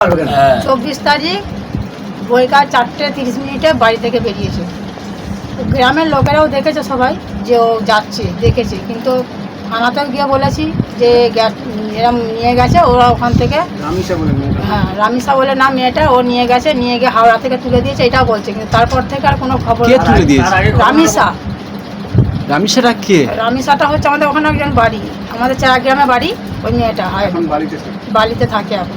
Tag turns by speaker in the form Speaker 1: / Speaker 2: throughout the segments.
Speaker 1: 24 তারিখ বৈকাল 4:30 বাড়ি থেকে বেরিয়েছে। তো গ্রামের লোকেরাও দেখেছে সবাই যে ও যাচ্ছে, দেখেছে, কিন্তু থানাতেও গিয়ে বলেছি যে এরম নিয়ে গেছে ওরা ওখান থেকে। হ্যাঁ, রামিসা বলে না মেয়েটা, ও নিয়ে গেছে, নিয়ে গিয়ে হাওড়া থেকে তুলে দিয়েছে, এটাও বলছে, কিন্তু তারপর থেকে আর কোনো খবর
Speaker 2: কে তুলে দিয়েছে?
Speaker 1: রামিসা।
Speaker 2: রামিসাটা কে?
Speaker 1: রামিসাটা হচ্ছে আমাদের ওখানে একজন বাড়ি, আমাদের গ্রামে বাড়ি। ওই মেয়েটা বাড়িতে থাকে এখন।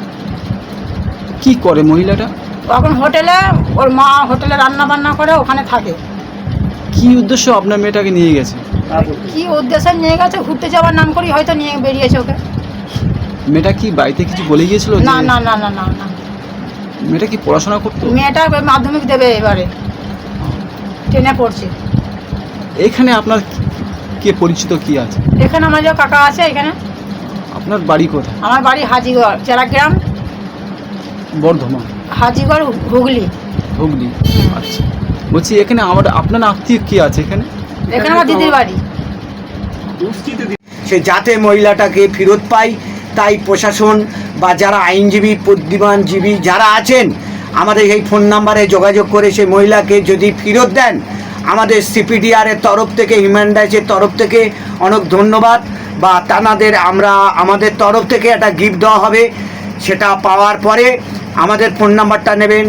Speaker 2: কি করে মহিলাটা?
Speaker 1: এখন হোটেলে, ওর মা হোটেলে রান্না বান্না করে, ওখানে থাকে।
Speaker 2: কি উদ্দেশ্য আপনার মেয়েটাকে নিয়ে গেছে?
Speaker 1: কি উদ্দেশ্যে নিয়ে গেছে, ঘুরতে যাওয়ার নাম করি হয়তো নিয়ে বেরিয়েছে ওকে।
Speaker 2: মেয়েটা কি বাড়িতে কিছু বলে গিয়েছিল?
Speaker 1: না না না না না না।
Speaker 2: মেয়েটা কি পড়াশোনা করতো?
Speaker 1: মেয়েটা মাধ্যমিক দেবে এবারে, 10-এ পড়ছে।
Speaker 2: এখানে আপনার কে পরিচিত কি আছে?
Speaker 1: এখানে আমার যে কাকা আছে এখানে।
Speaker 2: আপনার বাড়ি কোথায়?
Speaker 1: আমার বাড়ি হাজিগড়, জেলাগ্রাম,
Speaker 2: বর্ধমান।
Speaker 1: হাজিগড়, হুগলি।
Speaker 2: হুগলি। আচ্ছা, বলছি এখানে আপনার আত্মীয় কি আছে এখানে?
Speaker 1: এখানে আমার দিদির বাড়ি।
Speaker 3: সে যাতে মহিলাটাকে ফেরত পায়, তাই প্রশাসন বা যারা আইনজীবী, বুদ্ধিমানজীবী যারা আছেন, আমাদের এই ফোন নাম্বারে যোগাযোগ করে সেই মহিলাকে যদি ফেরত দেন, আমাদের সিপিডিআরের তরফ থেকে, হিউম্যান রাইটসের তরফ থেকে অনেক ধন্যবাদ, বা তানাদের আমাদের তরফ থেকে একটা গিফট দেওয়া হবে। সেটা পাওয়ার পরে আমাদের ফোন নাম্বারটা নেবেন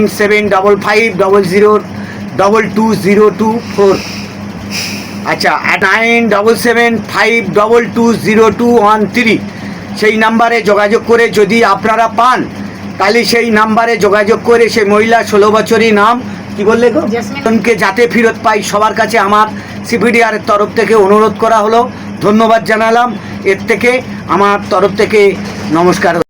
Speaker 3: 975500220224। আচ্ছা, 9775220213। সেই নাম্বারে যোগাযোগ করে যদি আপনারা পান, তাহলে সেই নাম্বারে যোগাযোগ করে সেই মহিলা 16 বছরই নাম কি বললে গো, জেসমিনকে যাতে ফেরত পাই, সবার কাছে আমার সিপিডিআরের তরফ থেকে অনুরোধ করা হলো। ধন্যবাদ জানালাম। এর থেকে আমার তরফ থেকে নমস্কার।